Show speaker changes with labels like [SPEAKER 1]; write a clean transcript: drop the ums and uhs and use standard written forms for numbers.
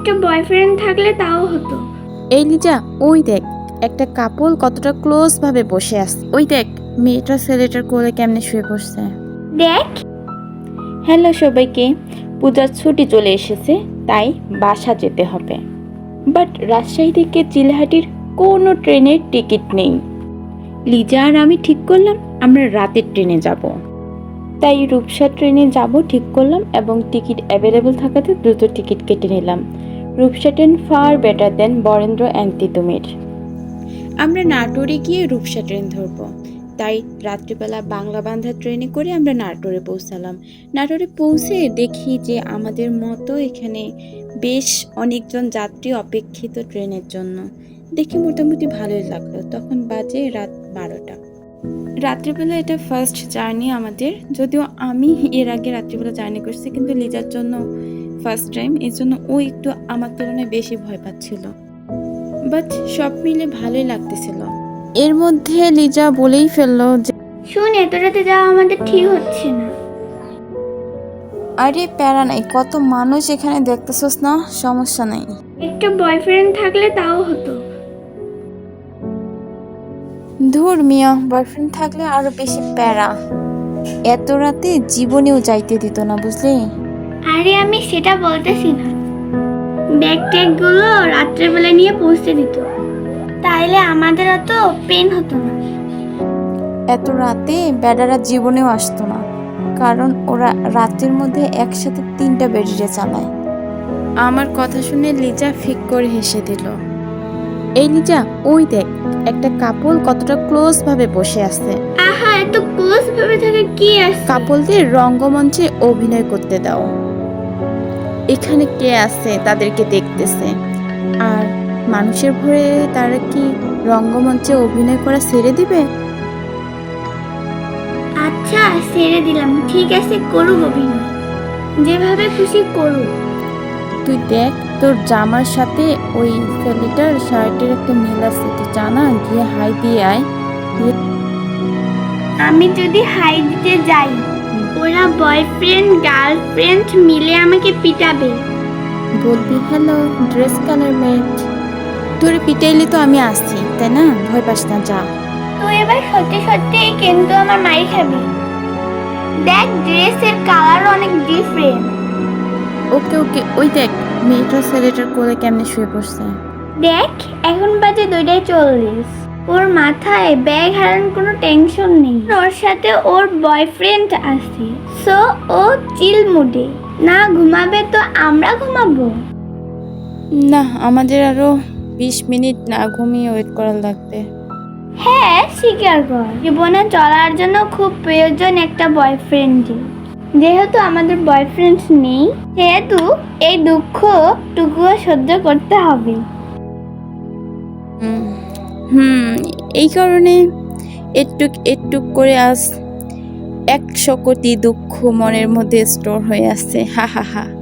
[SPEAKER 1] একটা বয়ফ্রেন্ড থাকলে তাও হতো।
[SPEAKER 2] এই লিজা, ওই দেখ একটা কাপল কতটা ক্লোজ ভাবে বসে আছে। ওই দেখ মেয়েটা ছেলেটার কোলে কেমনে শুয়ে পড়ছে।
[SPEAKER 1] দেখ।
[SPEAKER 2] হ্যালো সবাইকে, পূজার ছুটি চলে এসেছে, তাই বাসা যেতে হবে। বাট রাজশাহী থেকে চিলহাটির কোনো ট্রেনের টিকিট নেই। লিজা আর আমি ঠিক করলাম আমরা রাতের ট্রেনে যাব। তাই রূপসা ট্রেনে যাব ঠিক করলাম এবং টিকিট অ্যাভেলেবল থাকাতে দ্রুত টিকিট কেটে নিলাম। Rupsa train far better than Barendra and Titumir. আমরা নাটোরে গিয়ে রূপসা ট্রেন ধরবো। তাই রাত্রিবেলা বাংলা বান্ধা ট্রেনে করে আমরা নাটোরে পৌঁছালাম। নাটোরে পৌঁছে দেখি যে আমাদের মতো এখানে বেশ অনেকজন যাত্রী অপেক্ষিত ট্রেনের জন্য। দেখে মোটামুটি ভালোই লাগলো। তখন বাজে রাত 12টা। রাত্রিবেলা এটা ফার্স্ট জার্নি আমাদের, যদিও আমি এর আগে রাত্রিবেলা জার্নি করছি, কিন্তু লিজার জন্য ফার্স্ট টাইম, এই জন্য ও একটু আমার তুলনায় বেশি ভয় পাচ্ছিল। বাট সব মিলে ভালোই লাগতেছিল। এর মধ্যে লিজা বলেই ফেললো যে
[SPEAKER 1] শুন, এত রাতে যাওয়া আমাদের ঠিক হচ্ছে না।
[SPEAKER 2] আরে প্যারা নাই, কত মানুষ এখানে দেখতেছস না, সমস্যা নাই।
[SPEAKER 1] একটা বয়ফ্রেন্ড থাকলে তাও হতো।
[SPEAKER 2] ধুর মিয়া, বয়ফ্রেন্ড থাকলে আরো বেশি প্যারা। এত রাতে জীবনেও যাইতে দিত না, বুঝলি?
[SPEAKER 1] আরে আমি সেটা বলতেছি না, ব্যাগ ট্যাগ গুলো রাত্রেবেলা নিয়ে পৌঁছে দিত, তাইলে আমাদের অত পেন হতো না।
[SPEAKER 2] এত রাতে বেডারা জীবনেও আসতো না, কারণ ওরা রাতের মধ্যে একসাথে 3টা বেডিরে চালায়। আমার কথা শুনে লিজা ফিক করে হেসে দিল। এই লিজা, ওই দেখ একটা কাপল কতটা ক্লোজ ভাবে বসে আছে।
[SPEAKER 1] আহা, এত ক্লোজ ভাবে থাকে কি আছে?
[SPEAKER 2] কাপলদের রঙ্গমঞ্চে অভিনয় করতে দাও। এখানে কে আছে তাদেরকে দেখতেছে, আর মানুষের ভয়ে তারা কি রঙ্গমঞ্চে অভিনয় করা ছেড়ে দিবে?
[SPEAKER 1] আচ্ছা ছেড়ে দিলাম, ঠিক আছে, করুক অভিনয়, যেভাবে খুশি করুক।
[SPEAKER 2] তুই দেখ তোর জামার সাথে ওই ছেলেটার শার্টের একটা মিল আছে, তুই জানা, গিয়ে হাই দিয়ে আয়।
[SPEAKER 1] আমি যদি হাই দিতে যাই, ওরা বয়ফ্রেন্ড গার্লফ্রেন্ড মিলে আমাকে পিটাবে।
[SPEAKER 2] বলবি হ্যালো ড্রেস কালার মেট, তোর পিটাইলে তো আমি আসছি, তাই না? ভয় পাস না, যা।
[SPEAKER 1] তুই এবার সত্যি সত্যি কিন্তু আমার মাই খাবি। দেখ ড্রেসের কালার অনেক ডিফারেন্ট।
[SPEAKER 2] ওকে ওকে, ওই দেখ মেয়েটা ছেলেটার কোলে কেমনে শুয়ে পড়ছে।
[SPEAKER 1] দেখ এখন বাজে 2:40। ওর মাথায় ব্যাগ হারানোর কোনো টেনশন নেই, ওর সাথে ওর বয়ফ্রেন্ড আছে, সো ও চিল মুডে। না ঘুমাবে তো আমরা ঘুমাবো।
[SPEAKER 2] না, আমাদের আরো 20 মিনিট না ঘুমিয়ে ওয়েট করা লাগবে।
[SPEAKER 1] হ্যাঁ স্বীকার কর, জীবনে চলার জন্য খুব প্রয়োজন একটা বয়ফ্রেন্ডের। যেহেতু আমাদের বয়ফ্রেন্ড নেই, সেহেতু এই দুঃখটুকুও সহ্য করতে হবে।
[SPEAKER 2] এই কারণে একটুক একটুক করে আজ 100 কোটি দুঃখ মনের মধ্যে স্টোর হয়ে আছে। হা হা হা।